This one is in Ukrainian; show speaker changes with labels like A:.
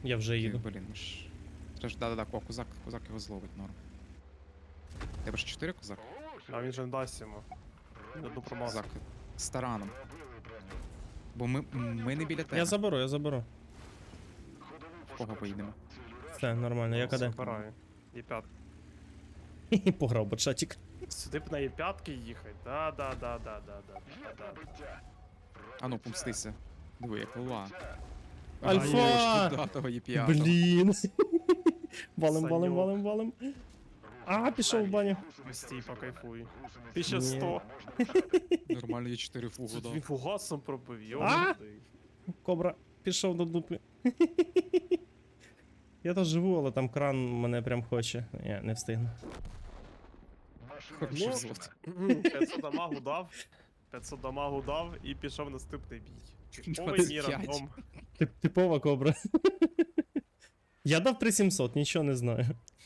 A: Я вже їду.
B: Блін, ми ж... Це ж, да-да-да, козак його зловить, норм. Тебе ж 4 козак?
C: А він же не дасть йому. Одну промазав.
B: Козак з тараном. Бо ми не біля тебе.
A: Я заберу.
B: В кого поїдемо?
A: Все, нормально, я каде.
C: Забираю. Є5.
A: Пограв бачатик.
C: Сюди б на Є5 їхати. Да.
B: А ну, помстися. Диви, як луа.
A: Альфа!
B: Того є п'ятого.
A: Блін. Валим,
C: Саньок.
A: валим. А, пішов в баню.
C: Стій, покайфуй. 1100.
B: Нормально, є 4 фугу
C: Тут
B: дав.
C: він фугасом пробив,
A: А?
C: йомати.
A: Кобра, пішов до дупи. Я тут живу, але там кран мене прям хоче. Я не встигну.
B: Хороший
C: Ну,
B: злот.
C: 500 дамагу дав. 500 дамагу дав і пішов наступний бій. Ой,
B: 25.
C: ні, рандом.
A: Типова кобра. Я дав 3700, нічого не знаю.